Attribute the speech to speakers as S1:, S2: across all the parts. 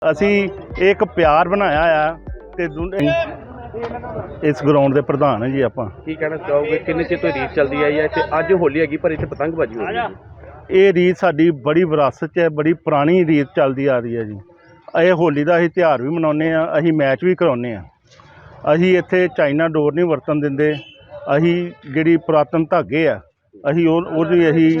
S1: ਅਸੀਂ ਇੱਕ ਪਿਆਰ ਬਣਾਇਆ ਆ ਤੇ ਇਸ ਗਰਾਊਂਡ ਦੇ ਪ੍ਰਧਾਨ ਹੈ ਜੀ। ਆਪਾਂ
S2: ਕੀ ਕਹਿਣਾ ਚਾਹੋਗੇ, ਕਿੰਨੇ ਚਿਰ ਤੋਂ ਰੀਤ ਚੱਲਦੀ ਆਈ ਹੈ ਤੇ ਅੱਜ ਹੋਲੀ ਹੈਗੀ ਪਰ ਇੱਥੇ ਪਤੰਗਬਾਜ਼ੀ ਹੋ ਰਹੀ ਹੈ?
S1: ਇਹ ਰੀਤ ਸਾਡੀ ਬੜੀ ਵਿਰਾਸਤ 'ਚ ਹੈ, ਬੜੀ ਪੁਰਾਣੀ ਰੀਤ ਚੱਲਦੀ ਆ ਰਹੀ ਹੈ ਜੀ। ਇਹ ਹੋਲੀ ਦਾ ਅਸੀਂ ਤਿਉਹਾਰ ਵੀ ਮਨਾਉਂਦੇ ਆ, ਅਸੀਂ ਮੈਚ ਵੀ ਕਰਾਉਂਦੇ ਆ। ਅਸੀਂ ਇੱਥੇ ਚਾਈਨਾ ਡੋਰ ਨਹੀਂ ਵਰਤਣ ਦਿੰਦੇ। ਅਸੀਂ ਜਿਹੜੀ ਪੁਰਾਤਨ ਧਾਗੇ ਆ ਅਸੀਂ ਉਹਦੀ ਅਸੀਂ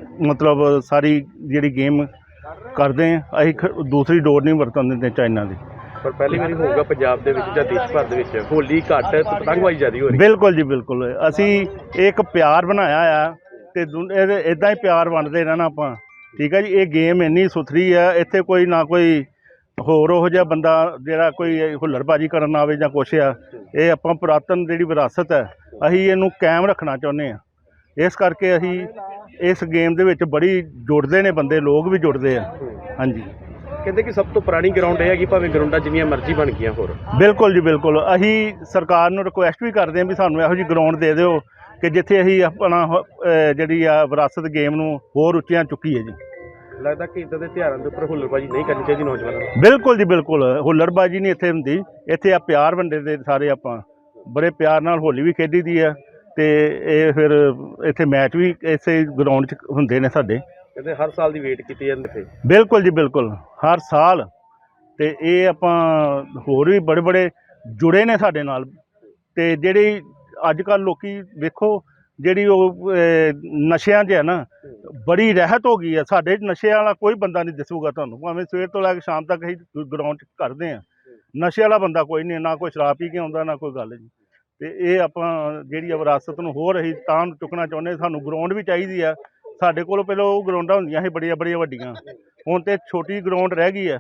S1: ਮਤਲਬ ਸਾਰੀ ਜਿਹੜੀ ਗੇਮ ਕਰਦੇ ਆ। ਅਸੀਂ ਦੂਸਰੀ ਡੋਰ ਨਹੀਂ ਵਰਤਣ ਦਿੰਦੇ ਚਾਈਨਾ ਦੀ।
S2: ਪਰ ਪਹਿਲੀ ਵਾਰੀ ਹੋਊਗਾ ਪੰਜਾਬ ਦੇ ਵਿੱਚ ਜਾਂ ਦੇਸ਼ ਭਰ ਦੇ ਵਿੱਚ ਹੋਲੀ ਘੱਟ ਤੇ ਪਤੰਗਬਾਜ਼ੀ ਜ਼ਿਆਦਾ ਹੋ ਰਹੀ ਹੈ।
S1: ਬਿਲਕੁਲ ਜੀ, ਬਿਲਕੁਲ। ਅਸੀਂ ਇੱਕ ਪਿਆਰ ਬਣਾਇਆ ਆ ਤੇ ਇੱਦਾਂ ਹੀ ਪਿਆਰ ਵੰਡਦੇ ਰਹਿਣਾ ਆਪਾਂ। ਠੀਕ ਹੈ ਜੀ। ਇਹ ਗੇਮ ਇੰਨੀ ਸੁਥਰੀ ਆ, ਇੱਥੇ ਕੋਈ ਨਾ ਕੋਈ ਹੋਰ ਉਹੋ ਜਿਹਾ ਬੰਦਾ ਜਿਹੜਾ ਕੋਈ ਹੁੱਲੜਬਾਜ਼ੀ ਕਰਨ ਆਵੇ ਜਾਂ ਕੁਛ ਆ। ਇਹ ਆਪਾਂ ਪੁਰਾਤਨ ਜਿਹੜੀ ਵਿਰਾਸਤ ਹੈ ਅਸੀਂ ਇਹਨੂੰ ਕਾਇਮ ਰੱਖਣਾ ਚਾਹੁੰਦੇ ਹਾਂ। ਇਸ ਕਰਕੇ ਅਸੀਂ ਇਸ ਗੇਮ ਦੇ ਵਿੱਚ ਬੜੀ ਜੁੜਦੇ ਨੇ ਬੰਦੇ, ਲੋਕ ਵੀ ਜੁੜਦੇ ਆ। ਹਾਂਜੀ।
S2: ਕਹਿੰਦੇ ਕਿ ਸਭ ਤੋਂ ਪੁਰਾਣੀ ਗਰਾਊਂਡ ਇਹ ਹੈਗੀ, ਭਾਵੇਂ ਗਰਾਊਂਡਾਂ ਜਿੰਨੀਆਂ ਮਰਜ਼ੀ ਬਣ ਗਈਆਂ ਹੋਰ।
S1: ਬਿਲਕੁਲ ਜੀ, ਬਿਲਕੁਲ। ਅਸੀਂ ਸਰਕਾਰ ਨੂੰ ਰਿਕੁਐਸਟ ਵੀ ਕਰਦੇ ਹਾਂ ਵੀ ਸਾਨੂੰ ਇਹੋ ਜਿਹੀ ਗਰਾਊਂਡ ਦੇ ਦਿਓ ਕਿ ਜਿੱਥੇ ਅਸੀਂ ਆਪਣਾ ਜਿਹੜੀ ਆ ਵਿਰਾਸਤ ਗੇਮ ਨੂੰ ਹੋਰ ਉੱਚੀਆਂ ਚੁੱਕੀਏ ਜੀ।
S2: ਲੱਗਦਾ ਕਿ ਇੱਦਾਂ ਦੇ ਤਿਉਹਾਰਾਂ ਦੇ ਉੱਪਰ ਹੁੱਲੜਬਾਜ਼ੀ ਨਹੀਂ ਕਰਨੀ ਚਾਹੀਦੀ ਨੌਜਵਾਨਾਂ ਨੂੰ।
S1: ਬਿਲਕੁਲ ਜੀ, ਬਿਲਕੁਲ। ਹੁੱਲੜਬਾਜ਼ੀ ਨਹੀਂ ਇੱਥੇ ਹੁੰਦੀ। ਇੱਥੇ ਆ ਪਿਆਰ ਵੰਡੇ ਦੇ ਸਾਰੇ। ਆਪਾਂ ਬੜੇ ਪਿਆਰ ਨਾਲ ਹੋਲੀ ਵੀ ਖੇਡੀ ਦੀ ਆ ਤੇ ਇਹ ਫਿਰ ਇੱਥੇ ਮੈਚ ਵੀ ਇਸੇ ਗਰਾਊਂਡ 'ਚ ਹੁੰਦੇ ਨੇ ਸਾਡੇ।
S2: ਕਹਿੰਦੇ ਹਰ ਸਾਲ ਦੀ ਵੇਟ ਕੀਤੀ ਜਾਂਦੀ ਇੱਥੇ।
S1: ਬਿਲਕੁਲ ਜੀ, ਬਿਲਕੁਲ। ਹਰ ਸਾਲ। ਤੇ ਇਹ ਆਪਾਂ ਹੋਰ ਵੀ ਬੜੇ ਜੁੜੇ ਨੇ ਸਾਡੇ ਨਾਲ। ਤੇ ਜਿਹੜੀ ਅੱਜ ਕੱਲ੍ਹ ਲੋਕੀ ਵੇਖੋ ਜਿਹੜੀ ਉਹ ਨਸ਼ਿਆਂ 'ਚ ਹੈ ਨਾ, ਬੜੀ ਰਹਿਤ ਹੋ ਗਈ ਹੈ। ਸਾਡੇ ਨਸ਼ੇ ਵਾਲਾ ਕੋਈ ਬੰਦਾ ਨਹੀਂ ਦਿਸੂਗਾ ਤੁਹਾਨੂੰ, ਭਾਵੇਂ ਸਵੇਰ ਤੋਂ ਲੈ ਕੇ ਸ਼ਾਮ ਤੱਕ ਅਸੀਂ ਗਰਾਊਂਡ 'ਚ ਕਰਦੇ ਹਾਂ। ਨਸ਼ੇ ਵਾਲਾ ਬੰਦਾ ਕੋਈ ਨਹੀਂ, ਨਾ ਕੋਈ ਸ਼ਰਾਬ ਪੀ ਕੇ ਆਉਂਦਾ, ਨਾ ਕੋਈ ਗੱਲ ਨਹੀਂ। ਤੇ ਇਹ ਆਪਾਂ ਜਿਹੜੀ ਵਿਰਾਸਤ ਨੂੰ ਹੋਰ ਅਸੀਂ ਤਾਂ ਚੁੱਕਣਾ ਚਾਹੁੰਦੇ। ਸਾਨੂੰ ਗਰਾਊਂਡ ਵੀ ਚਾਹੀਦੀ ਆ। ਸਾਡੇ ਕੋਲ ਪਹਿਲਾਂ ਉਹ ਗਰਾਊਂਡਾਂ ਹੁੰਦੀਆਂ ਸੀ ਬੜੀਆਂ ਵੱਡੀਆਂ, ਹੁਣ ਤੇ ਛੋਟੀ ਗਰਾਊਂਡ ਰਹਿ ਗਈ ਆ।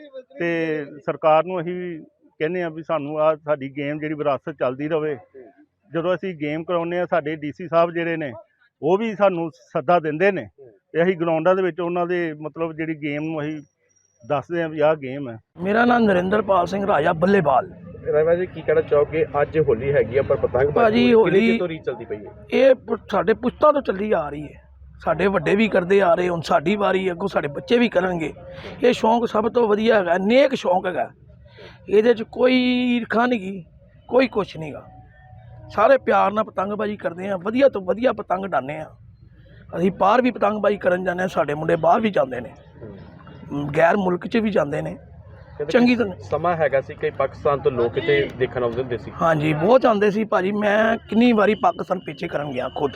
S1: ਤੇ ਸਰਕਾਰ ਨੂੰ ਅਸੀਂ ਕਹਿੰਦੇ ਆ ਵੀ ਸਾਨੂੰ ਆ ਸਾਡੀ ਗੇਮ ਜਿਹੜੀ ਵਿਰਾਸਤ ਚੱਲਦੀ ਰਹੇ। ਜਦੋਂ ਅਸੀਂ ਗੇਮ ਕਰਾਉਂਦੇ ਆ, ਸਾਡੇ DC ਸਾਹਿਬ ਜਿਹੜੇ ਨੇ ਉਹ ਵੀ ਸਾਨੂੰ ਸੱਦਾ ਦਿੰਦੇ ਨੇ ਤੇ ਅਸੀਂ ਗਰਾਊਂਡਾਂ ਦੇ ਵਿੱਚ ਉਹਨਾਂ ਦੇ ਮਤਲਬ ਜਿਹੜੀ ਗੇਮ ਨੂੰ ਅਸੀਂ ਦੱਸਦੇ ਆ ਵੀ ਆਹ ਗੇਮ ਹੈ।
S3: ਮੇਰਾ ਨਾਮ ਨਰਿੰਦਰਪਾਲ ਸਿੰਘ ਰਾਜਾ ਬੱਲੇਬਾਲ।
S2: ਰਾਜਾ ਜੀ, ਕੀ ਕਹਿਣਾ ਚਾਹੋਗੇ, ਅੱਜ ਹੋਲੀ ਹੈਗੀ ਆ ਪਰ ਪਤੰਗਬਾਜ਼ੀ ਹੋਲੀ ਤੋਂ ਰੀਤ ਚੱਲਦੀ ਪਈ ਹੈ?
S3: ਇਹ ਸਾਡੇ ਪੁਸ਼ਤਾਂ ਤੋਂ ਚੱਲੀ ਆ ਰਹੀ ਹੈ। ਸਾਡੇ ਵੱਡੇ ਵੀ ਕਰਦੇ ਆ ਰਹੇ, ਹੁਣ ਸਾਡੀ ਵਾਰੀ ਹੈ, ਅੱਗੋਂ ਸਾਡੇ ਬੱਚੇ ਵੀ ਕਰਨਗੇ। ਇਹ ਸ਼ੌਂਕ ਸਭ ਤੋਂ ਵਧੀਆ ਹੈਗਾ, ਨੇਕ ਸ਼ੌਂਕ ਹੈਗਾ। ਇਹਦੇ 'ਚ ਕੋਈ ਈਰਖਾ ਨਹੀਂ ਗੀ, ਕੋਈ ਕੁਛ ਨਹੀਂ ਗਾ। ਸਾਰੇ ਪਿਆਰ ਨਾਲ ਪਤੰਗਬਾਜ਼ੀ ਕਰਦੇ ਆ, ਵਧੀਆ ਤੋਂ ਵਧੀਆ ਪਤੰਗ ਉਡਾਉਂਦੇ ਆ। ਅਸੀਂ ਬਾਹਰ ਵੀ ਪਤੰਗਬਾਜ਼ੀ ਕਰਨ ਜਾਂਦੇ ਹਾਂ, ਸਾਡੇ ਮੁੰਡੇ ਬਾਹਰ ਵੀ ਜਾਂਦੇ ਨੇ, ਗੈਰ ਮੁਲਕ 'ਚ ਵੀ ਜਾਂਦੇ ਨੇ। ਚੰਗੀ ਤਰ੍ਹਾਂ
S2: ਸਮਾਂ ਹੈਗਾ ਸੀ ਕਿ ਪਾਕਿਸਤਾਨ ਤੋਂ ਲੋਕ ਇੱਥੇ ਦੇਖਣ ਆਉਂਦੇ ਹੁੰਦੇ ਸੀ।
S3: ਹਾਂਜੀ, ਬਹੁਤ ਆਉਂਦੇ ਸੀ ਭਾਜੀ। ਮੈਂ ਕਿੰਨੀ ਵਾਰੀ ਪਾਕਿਸਤਾਨ ਪਿੱਛੇ ਕਰਨ ਗਿਆ ਖੁਦ।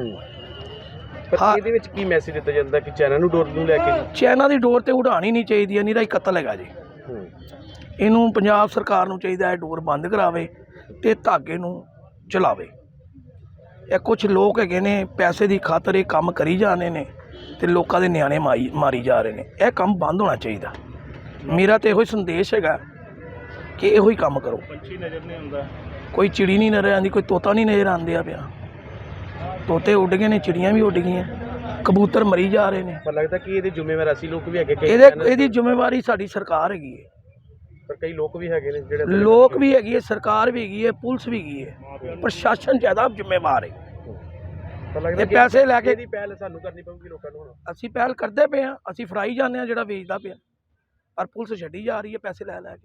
S2: ਪਰ ਇਹਦੇ ਵਿੱਚ ਕੀ ਮੈਸੇਜ ਦਿੱਤਾ ਜਾਂਦਾ ਕਿ ਚਾਈਨਾ ਨੂੰ ਡੋਰ ਨੂੰ ਲੈ ਕੇ?
S3: ਚਾਈਨਾ ਦੀ ਡੋਰ ਤੇ ਉਡਾਣੀ ਨਹੀਂ ਚਾਹੀਦੀ ਹੈ, ਨਿਰਾ ਹੀ ਕਤਲ ਹੈਗਾ ਜੀ। ਇਹਨੂੰ ਪੰਜਾਬ ਸਰਕਾਰ ਨੂੰ ਚਾਹੀਦਾ ਹੈ ਡੋਰ ਬੰਦ ਕਰਾਵੇ ਤੇ ਧਾਗੇ ਨੂੰ ਚਲਾਵੇ। ਇਹ ਕੁਝ ਲੋਕ ਹੈਗੇ ਨੇ ਪੈਸੇ ਦੀ ਖਾਤਰ ਇਹ ਕੰਮ ਕਰੀ ਜਾਂਦੇ ਨੇ ਤੇ ਲੋਕਾਂ ਦੇ ਨਿਆਣੇ ਮਾਰੀ ਜਾ ਰਹੇ ਨੇ। ਇਹ ਕੰਮ ਬੰਦ ਹੋਣਾ ਚਾਹੀਦਾ। ਮੇਰਾ ਤੇ ਇਹੋ ਹੀ ਸੰਦੇਸ਼ ਹੈਗਾ ਕਿ ਇਹੋ ਹੀ ਕੰਮ ਕਰੋ।
S1: ਪੰਛੀ ਨਜ਼ਰ ਨਹੀਂ ਆਉਂਦਾ, ਕੋਈ
S3: ਚਿੜੀ ਨਹੀਂ ਨਜ਼ਰ ਆਉਂਦੀ, ਕੋਈ ਤੋਤਾ ਨਹੀਂ ਨਜ਼ਰ ਆਉਂਦਿਆ ਪਿਆ। ਤੋਤੇ ਉੱਡ ਗਏ ਨੇ, ਚਿੜੀਆਂ ਵੀ ਉੱਡ ਗਈਆਂ, ਕਬੂਤਰ ਮਰੀ ਜਾ ਰਹੇ ਨੇ।
S2: ਪਰ ਲੱਗਦਾ ਕਿ ਇਹਦੇ ਜ਼ਿੰਮੇਵਾਰ ਅਸੀਂ ਲੋਕ ਵੀ ਹੈਗੇ।
S3: ਇਹਦੀ ਜ਼ਿੰਮੇਵਾਰੀ ਸਾਡੀ ਸਰਕਾਰ ਹੈਗੀ ਹੈ।
S2: ਪਰ ਕਈ ਲੋਕ ਵੀ ਹੈਗੇ ਨੇ ਜਿਹੜੇ
S3: ਲੋਕ ਵੀ ਹੈਗੀ ਹੈ, ਸਰਕਾਰ ਵੀ ਹੈਗੀ ਹੈ, ਪੁਲਿਸ ਵੀ ਹੈਗੀ ਹੈ, ਪ੍ਰਸ਼ਾਸਨ ਜ਼ਿਆਦਾ ਜ਼ਿੰਮੇਵਾਰ ਹੈ। ਇਹ ਪੈਸੇ ਲੈ ਕੇ
S2: ਇਹਦੀ ਪਹਿਲ ਸਾਨੂੰ ਕਰਨੀ ਪਊਗੀ ਲੋਕਾਂ ਨੂੰ।
S3: ਅਸੀਂ ਪਹਿਲ ਕਰਦੇ ਪਏ ਹਾਂ, ਅਸੀਂ ਫੜਾਈ ਜਾਂਦੇ ਹਾਂ ਜਿਹੜਾ ਵੇਚਦਾ ਪਿਆ, ਪਰ ਪੁਲਿਸ ਛੱਡੀ ਜਾ ਰਹੀ ਹੈ ਪੈਸੇ ਲੈ ਕੇ।